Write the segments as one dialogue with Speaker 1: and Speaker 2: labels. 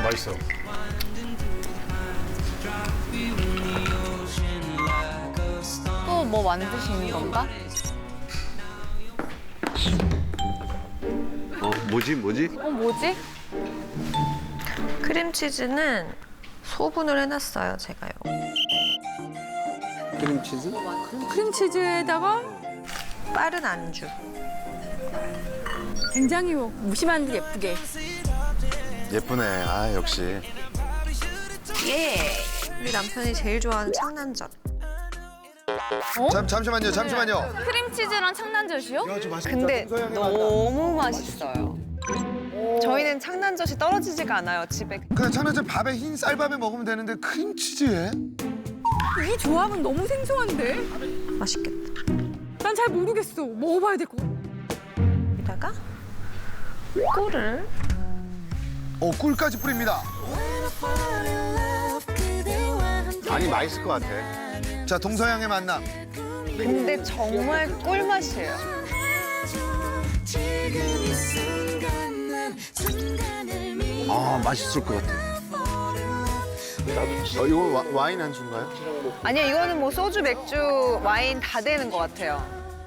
Speaker 1: 맛있어.
Speaker 2: 또 뭐 만드시는 건가?
Speaker 3: 뭐지?
Speaker 2: 뭐지?
Speaker 4: 크림치즈는 소분을 해놨어요, 제가요.
Speaker 3: 크림치즈?
Speaker 5: 크림치즈에다가
Speaker 4: 빠른 안주.
Speaker 5: 굉장히 무심한 듯 예쁘게.
Speaker 3: 예쁘네. 아, 역시.
Speaker 4: 예! 우리 남편이 제일 좋아하는 창난젓.
Speaker 3: 잠시만요.
Speaker 2: 크림치즈랑 창난젓이요?
Speaker 4: 근데 너무 맛있어요. 저희는 창난젓이 떨어지지가 않아요, 집에.
Speaker 3: 그냥 창난젓 밥에 흰 쌀밥에 먹으면 되는데 크림치즈에?
Speaker 5: 이 조합은 너무 생소한데?
Speaker 4: 맛있겠다.
Speaker 5: 난 잘 모르겠어. 먹어봐야 될 것 같아.
Speaker 4: 여기다가 꿀을.
Speaker 3: 꿀까지 뿌립니다. 아니, 맛있을 것 같아. 자, 동서양의 만남.
Speaker 4: 근데 정말 꿀맛이에요.
Speaker 3: 아, 맛있을 것 같아. 이거 와인 한 수인가요?
Speaker 4: 아니요, 이거는 뭐 소주, 맥주, 와인 다 되는 것 같아요.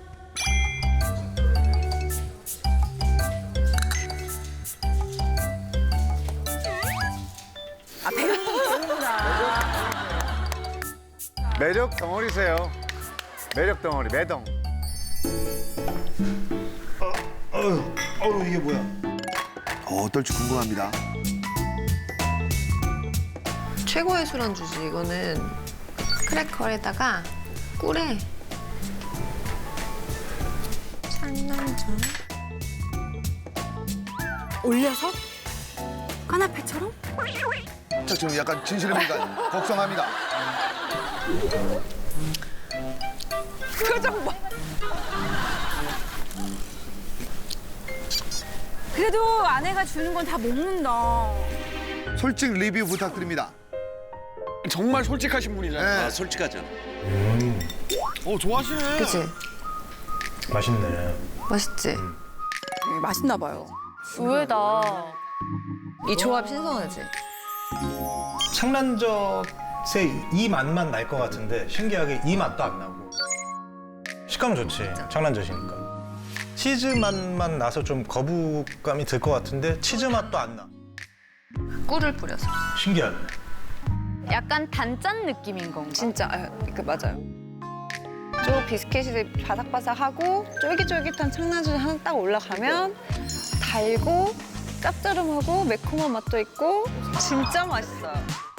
Speaker 6: 매력 덩어리세요. 매력 덩어리, 매덩.
Speaker 3: 이게 뭐야? 어떨지 궁금합니다.
Speaker 4: 최고의 술안주지, 이거는. 크래커에다가 꿀에 창난젓.
Speaker 5: 올려서? 까나페처럼?
Speaker 3: 자, 지금 약간 진실의 물건 걱정합니다.
Speaker 4: 표정 봐.
Speaker 5: 그래도 아내가 주는 건 다 먹는다.
Speaker 3: 솔직 리뷰 부탁드립니다.
Speaker 7: 정말 솔직하신 분이잖아요.
Speaker 3: 네.
Speaker 7: 솔직하잖아. 좋아하시네.
Speaker 4: 그치?
Speaker 1: 맛있네.
Speaker 4: 맛있지?
Speaker 5: 맛있나 봐요.
Speaker 2: 의외다.
Speaker 4: 이 조합 신선하지?
Speaker 1: 창난젓의 이 맛만 날 것 같은데 신기하게 이 맛도 안 나고. 식감 좋지, 창난젓이니까. 치즈 맛만 나서 좀 거부감이 들 것 같은데 치즈 맛도 안 나.
Speaker 4: 꿀을 뿌려서.
Speaker 1: 신기하네.
Speaker 2: 약간 단짠 느낌인 건가?
Speaker 4: 진짜, 맞아요. 좀 비스켓이 바삭바삭하고 쫄깃쫄깃한 창난젓이 하나 딱 올라가면 달고 짭조름하고 매콤한 맛도 있고 진짜 맛있어요.